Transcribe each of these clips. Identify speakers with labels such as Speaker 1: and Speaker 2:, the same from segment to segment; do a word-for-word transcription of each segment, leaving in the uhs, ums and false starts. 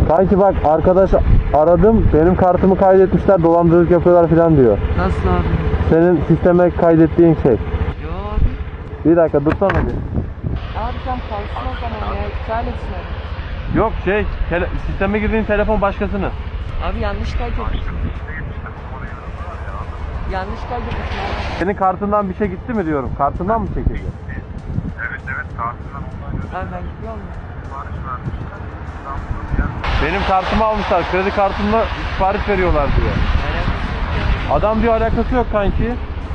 Speaker 1: Kanki bak arkadaş aradım, benim kartımı kaydetmişler, dolandırıcılık yapıyorlar falan diyor.
Speaker 2: Nasıl abi?
Speaker 1: Senin sisteme kaydettiğin şey.
Speaker 2: Yo abi.
Speaker 1: Bir dakika dursana bir.
Speaker 2: Abi sen kalsın o zaman ya. İptal etsin abi.
Speaker 1: Yok şey, tele- sisteme girdiğin telefon başkasının.
Speaker 2: Abi yanlış kaydetmiş. Yanlış kaydetmiş abi.
Speaker 1: Senin kartından bir şey gitti mi diyorum, kartından mı çekildi?
Speaker 3: Evet evet kartından online
Speaker 2: Abi ben gidiyorum ya.
Speaker 3: sipariş vermişler. İstanbul'da bir yer.
Speaker 1: Benim kartımı almışlar, kredi kartımla sipariş veriyorlar diyor. Adam diyor alakası yok kanki.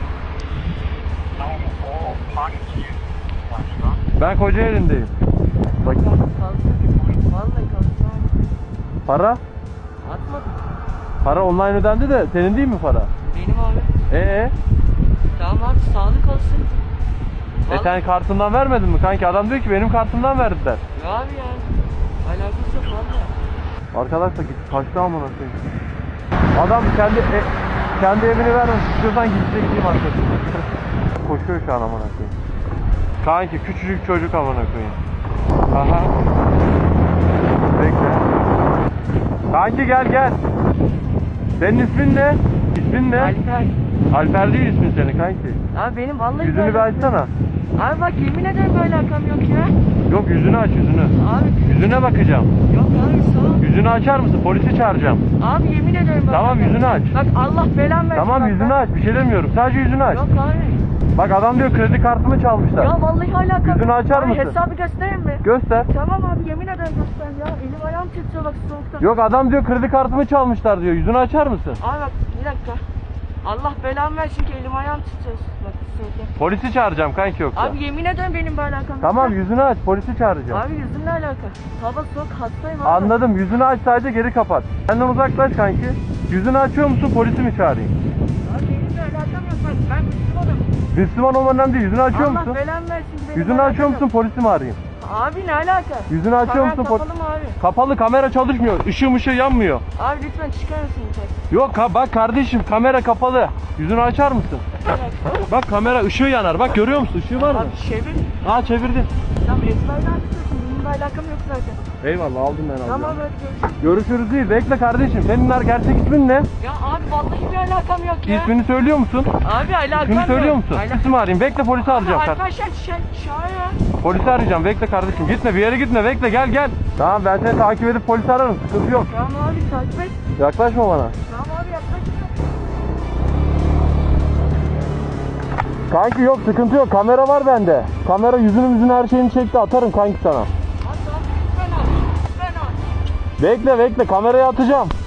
Speaker 3: Tamam o hangi başta?
Speaker 1: Ben Kocaeli'ndeyim. Bak
Speaker 2: Kalsın. Vallahi kalsın abi.
Speaker 1: para,
Speaker 2: Atmadım.
Speaker 1: para online ödendi de senin değil mi para?
Speaker 2: Benim abi.
Speaker 1: Ee,
Speaker 2: Tamam abi sağlık olsun.
Speaker 1: e sen kartından vermedin mi kanki? Adam diyor ki benim kartımdan verdiler.
Speaker 2: Ya abi ya. Alakası yok valla.
Speaker 1: Arkadaşlar git kaçtı amına koyayım. Adam kendi e, kendi evini vermemiş. İstiyorsan gidecek diyeyim arkadaşlar. Koşuyor şu an amına koyayım. Kanki küçücük çocuk amına koyayım. Aha. Bekle. Kanki gel gel. Senin ismin ne? İsmin ne?
Speaker 2: Alper.
Speaker 1: Alper değil ismin senin kanki.
Speaker 2: Abi benim vallahi
Speaker 1: Yüzünü bir
Speaker 2: böyle-
Speaker 1: açsana.
Speaker 2: Abi bak yemin ederim böyle alakam yok ya.
Speaker 1: Yok yüzünü aç yüzünü.
Speaker 2: Abi
Speaker 1: Yüzüne bakacağım.
Speaker 2: yok abi sağ ol.
Speaker 1: Yüzünü açar mısın? Polisi çağıracağım.
Speaker 2: Abi yemin ederim bak.
Speaker 1: Tamam, yüzünü aç.
Speaker 2: Bak Allah belan versin.
Speaker 1: Tamam
Speaker 2: bak
Speaker 1: yüzünü
Speaker 2: ben-
Speaker 1: aç. Bir şey demiyorum. Sadece yüzünü aç.
Speaker 2: Yok abi.
Speaker 1: Bak adam diyor kredi kartımı çalmışlar.
Speaker 2: Ya vallahi alakam
Speaker 1: Yüzünü
Speaker 2: yok.
Speaker 1: açar
Speaker 2: abi,
Speaker 1: mısın?
Speaker 2: Hesabı göstereyim mi?
Speaker 1: Göster.
Speaker 2: Tamam abi yemin ederim göster ya. Elim ayağım titriyor bak soğuktan.
Speaker 1: Yok adam diyor kredi kartımı çalmışlar diyor. Yüzünü açar mısın?
Speaker 2: Abi bak bir dakika. Allah belamı versin ki elim ayağım titriyor. Bak soğuktan.
Speaker 1: Polisi çağıracağım kanki yoksa.
Speaker 2: Abi yemin ederim benim böyle alakam yok.
Speaker 1: Tamam yüzünü aç. Polisi çağıracağım.
Speaker 2: Abi yüzümle alaka. Hava soğuk hastayım abi.
Speaker 1: Anladım. Yüzünü aç, sadece geri kapat. Benden uzaklaş kanki. Yüzünü açıyor musun? Polisi mi çağırayım?
Speaker 2: Abi benimle alakam yok bak ben Müslümanım.
Speaker 1: Müslüman olman önemli değil. Yüzünü açıyor
Speaker 2: Allah
Speaker 1: musun?
Speaker 2: belamı versin ki benim
Speaker 1: Yüzünü
Speaker 2: alakam
Speaker 1: açıyor
Speaker 2: yok.
Speaker 1: musun? Polisi mi arayayım?
Speaker 2: Abi ne alaka?
Speaker 1: Yüzünü açıyor
Speaker 2: Kamera
Speaker 1: musun? Pol-
Speaker 2: kapalı mı abi?
Speaker 1: Kapalı, kamera çalışmıyor. Işığım ışığı yanmıyor.
Speaker 2: Abi lütfen çıkar mısın lütfen?
Speaker 1: Yok ka- bak kardeşim, kamera kapalı. Yüzünü açar mısın? Bak kamera ışığı yanar. Bak görüyor musun? Işığı var mı?
Speaker 2: Abi çevir.
Speaker 1: Aa çevirdim.
Speaker 2: Tamam ezberden tutuyorsun. Benim bir alakam yok zaten.
Speaker 1: Eyvallah aldım ben aldım.
Speaker 2: Tamam hadi görüşürüz.
Speaker 1: Görüşürüz değil. Bekle kardeşim. Senin gerçek ismin ne?
Speaker 2: Ya abi vallahi bir alakam yok ya.
Speaker 1: İsmini söylüyor musun?
Speaker 2: Abi alakam
Speaker 1: İsmini
Speaker 2: yok.
Speaker 1: söylüyor musun?
Speaker 2: Alakam.
Speaker 1: İsim arayayım. Bekle polisi arayacağım. kar-
Speaker 2: Arkadaşlar şey şahı.
Speaker 1: Polisi arayacağım. Bekle kardeşim. Gitme bir yere gitme. Bekle gel gel. Tamam ben seni takip edip polisi ararım. Sıkıntı yok.
Speaker 2: Tamam abi takip et.
Speaker 1: Yaklaşma bana.
Speaker 2: Tamam abi yaklaşma.
Speaker 1: Kanki yok sıkıntı yok. Kamera var bende. Kamera yüzünü yüzünü her şeyini çekti. Atarım kanki sana.
Speaker 2: Hadi abi lütfen abi. Lütfen abi.
Speaker 1: Bekle bekle. Kameraya atacağım.